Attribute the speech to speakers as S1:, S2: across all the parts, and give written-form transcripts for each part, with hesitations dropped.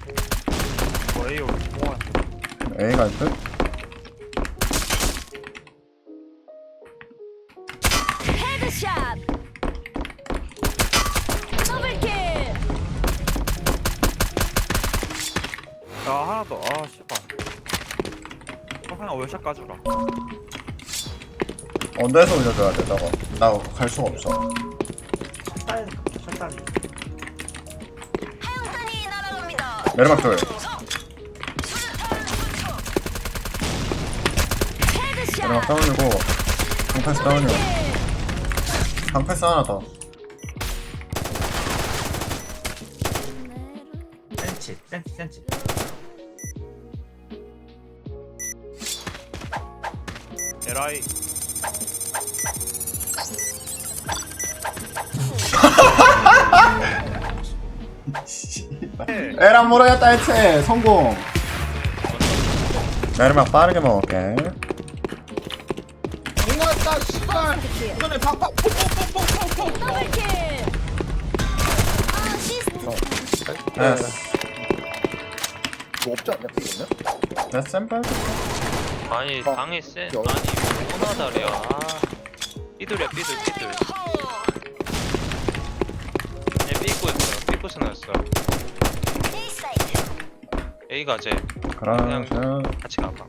S1: A로 통화.
S2: A 갈 듯?
S3: 헤드샷. 더블킬.
S1: 야 하나 더. 아 씨발. 하나 월샷 까주라.
S2: 언더에서 올려줘야 돼 저거. 나 갈 수가 없어.
S1: 샷단이.
S3: 하영탄이 날아갑니다.
S2: 내리막 둘.
S3: 헤드샷.
S2: 내리막 다운이고 방패스 다운이고 방패스 하나 더.
S1: 센치. 에라이.
S2: 에란 모르겠다 해체 성공. 내리막 빠르게 먹을게.
S4: 공왔다 씨발. 이번에 팍팍 퐁퐁퐁퐁퐁퐁.
S3: 더블킬. 아시스트.
S2: 됐어.
S4: 뭐 없지 않냐 이거는?
S2: 됐어 샘플.
S5: 아니 방에 센 아니 코나다리야. 삐뚤이야 삐뚤. 얘 삐고 있어. 삐고 스나였어. A 가재.
S2: 그러면
S5: 같이 가봐.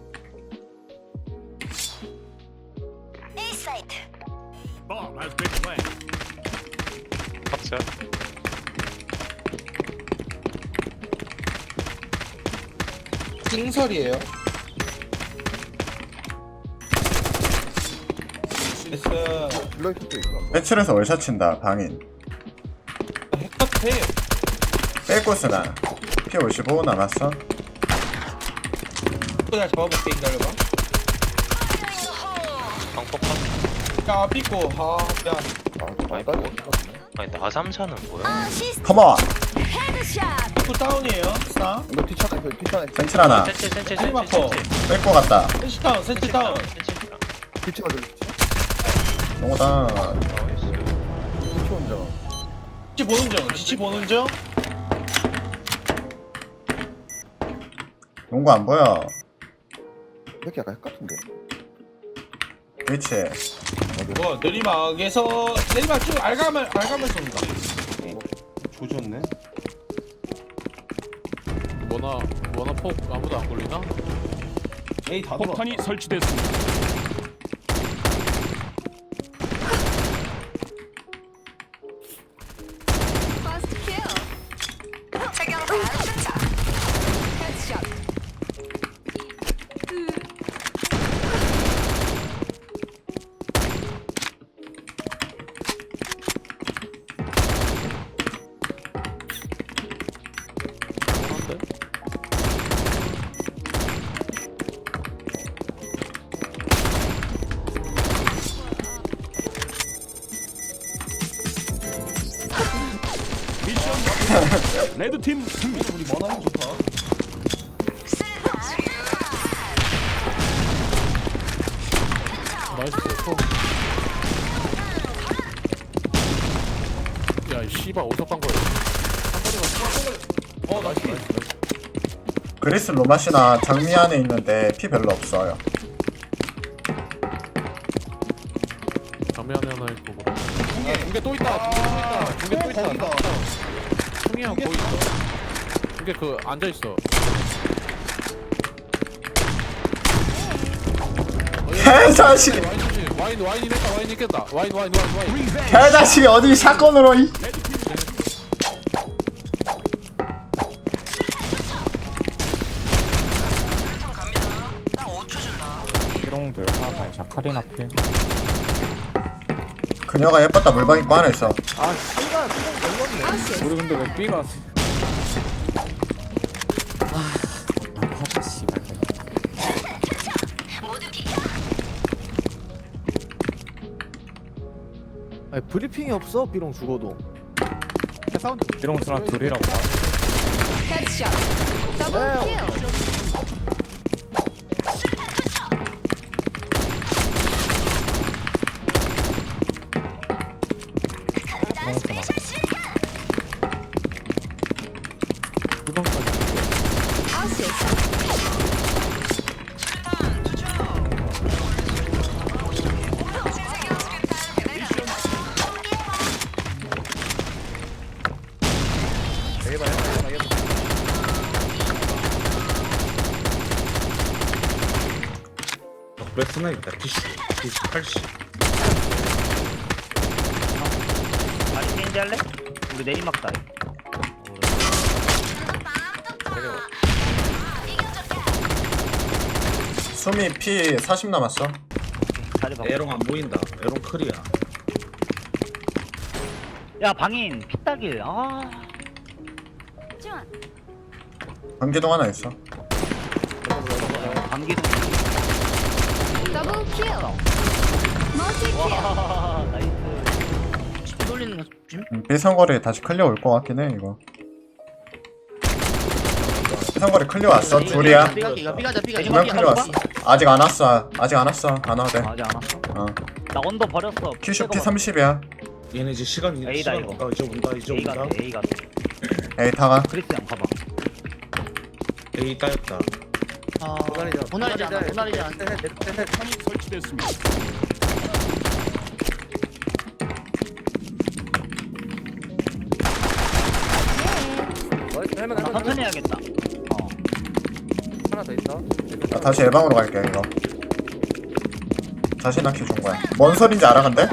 S5: 박스.
S4: 띵설이에요. 됐어. 블러이트도 있어.
S2: 배출해서 월샷 친다 방인.
S4: 핵같아.
S2: 빼고스나 P55 남았어.
S4: 나 잡아볼게 기다려봐.
S5: 방폭.
S4: 야 삐꼬. 아 미안.
S5: 아이고. 아니 나 3사는 뭐야?
S3: 아시스트.
S2: 컴온.
S3: 헤드샷.
S4: 삐꼬 다운이에요. 스나.
S6: 이거 뒤차가
S2: 센칠 하나
S5: 센치.
S4: 헬리마커.
S2: 뺄거 같다.
S4: 센치 다운. 센치 다운.
S6: 뒤차가 들려.
S2: 농구다.
S6: 뒤차 혼자.
S4: 지치 보는 중. 지치 보는 중.
S2: 농구 안 보여.
S6: 이렇게 약간 핵 같은데.
S2: 위치.
S4: 뭐 내리막에서 내리막 쭉 알가면 쏜다. 조졌네.
S7: 뭐나 폭 아무도 안 걸리나?
S4: 에이 다 들어.
S7: 폭탄이 설치됐습니다.
S3: 퍼스트 킬. 헤드샷.
S7: 미션 레드팀 승리.
S4: 우리 머나는 좋다.
S7: 나이스 폭. 야이 씨발 오석 간 거야.
S4: 나이스.
S2: 그리스 로마시나 장미 안에 있는데 피 별로 없어요.
S7: 담배 안에 하나 있고. 중계 또 있다. 중계 또 있다.
S4: 거기다.
S7: 충이 형 거기 있어. 중계 그 앉아 있어.
S2: 개자식.
S7: 와인 냈다. 와인 있겠다. 와인.
S2: 개자식이 어디 샷건으로 이.
S1: 기롱들 하나 자카린 앞에.
S2: 그녀가 예뻤다 물방 입고 안에 있어.
S1: 우리 근데 왜 B가?
S6: 아니 브리핑이 없어 비롱 죽어도.
S1: 기롱 스나 둘이라고.
S3: 헤드샷. 더블킬.
S1: 기롱 스나.
S4: 왜 스나이다 티슈 80
S8: 아니 게임지 할래? 우리 내리막다.
S2: 수미 피 40 남았어.
S8: 자리 봐.
S4: 에롱 안 보인다 에롱 클이야
S8: 야 방인 피따길. 아
S3: 지원.
S2: 관계동 하나 있어.
S8: 방기동.
S3: 더블 킬. 멀티 킬.
S8: 와 나이스.
S9: 돌리는 거 조심.
S2: 삐상거리 다시 클리어 올 것 같긴 해 이거. 삐상거리 클리어 왔어. 둘이야.
S9: 삐가기 삐가자 삐가자.
S2: 두 명 클리어 왔어. 아직 안 왔어. 아직 안 왔어. 안 와도 돼.
S8: 아직 안 왔어.
S2: 어.
S8: 나 언더 버렸어.
S2: 큐쇼 피 30이야.
S4: 얘네 이제 시간
S8: A다, 이거.
S4: 온다 이제 온다 이제
S8: A
S4: 온다
S8: 같아 A 같아.
S2: 에이 타가.
S8: 크리스형 봐봐.
S4: A 따였다
S9: 보나리지 않아. 보나리지 않아.
S8: 나 천천히 해야겠다. 어.
S6: 하나 더 있어.
S2: 나 다시 예방으로 갈게 이거. 자신 있게 준 거야. 뭔 소린지 알아 근데?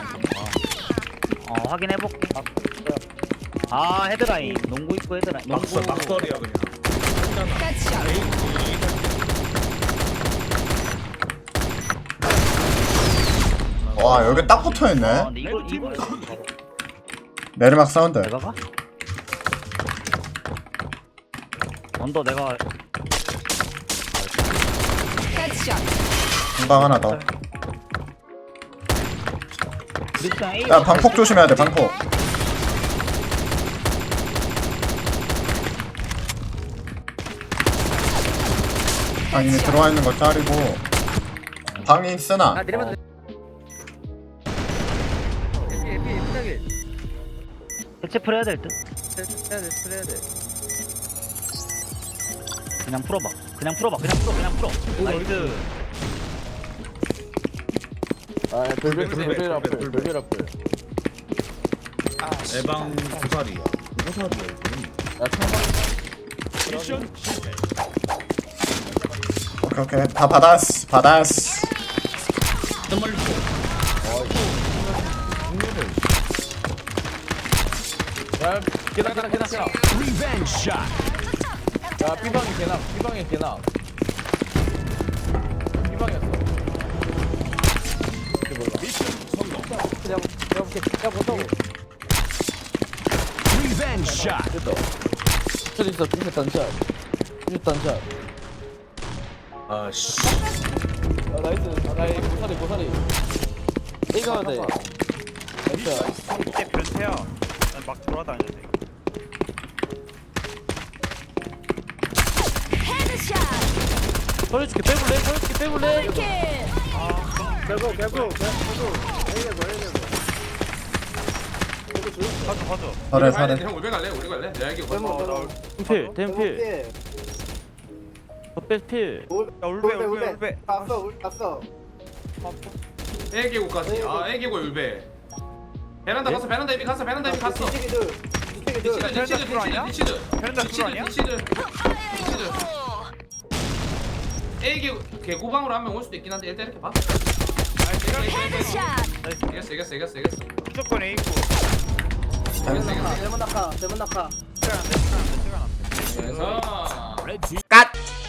S8: 확인해볼게. 아 헤드라인. 농구 입구 헤드라인. 농구.
S4: 막설이야 그냥
S3: 헤드샷.
S2: 와 여기 딱 붙어있네.
S8: 근데 이걸
S2: 내리막 사운드.
S8: 내가 가? 언더 내가
S3: 헤드샷.
S2: 금방 하나 더.
S8: 크리스형 A.
S2: 야 방폭 조심해야 돼 방폭. 방인이 들어와 있는 거 짜리고. 방인 쓰나?
S6: 내리면 삐딱이.
S8: 대체 풀 해야 될 듯.
S6: 해야 돼.
S8: 그냥 풀어봐. 그냥 풀어. 나이스.
S6: 아, 별별 앞을.
S4: 에방 고사리야 고사리야 이거
S6: 야, 창방.
S2: 오케이 다 받았어.
S6: 야, 계단. 야, 삐방이 개나. 삐방이었어. 내가 볼게. 야, 보통. 됐다. 저기 있어, 중세 단샷.
S4: 아씨
S6: 아, 나이스. 고사리. A 가야 돼. 나이스.
S1: 이게 변태야. 난 막 돌아다녀야 돼.
S3: 헤드샷.
S6: 서울줄게 빼볼래?
S3: 더블 킬.
S1: 가져.
S2: 설에.
S4: 형 우리 갈래? 내가 이게
S6: 댐필. 필.
S1: 야 울베.
S10: 갔어.
S4: 애기고까지 애기고 울베 베란다 이미 갔어
S10: 뒤치기들.
S4: 애기 개고방으로 한 명 올 수도 있긴 한데 일단 이렇게 봐
S3: 헤드샷.
S4: 이겼어
S1: 무조건 A고.
S10: 대문 낙하.
S4: 그래서
S2: 갓.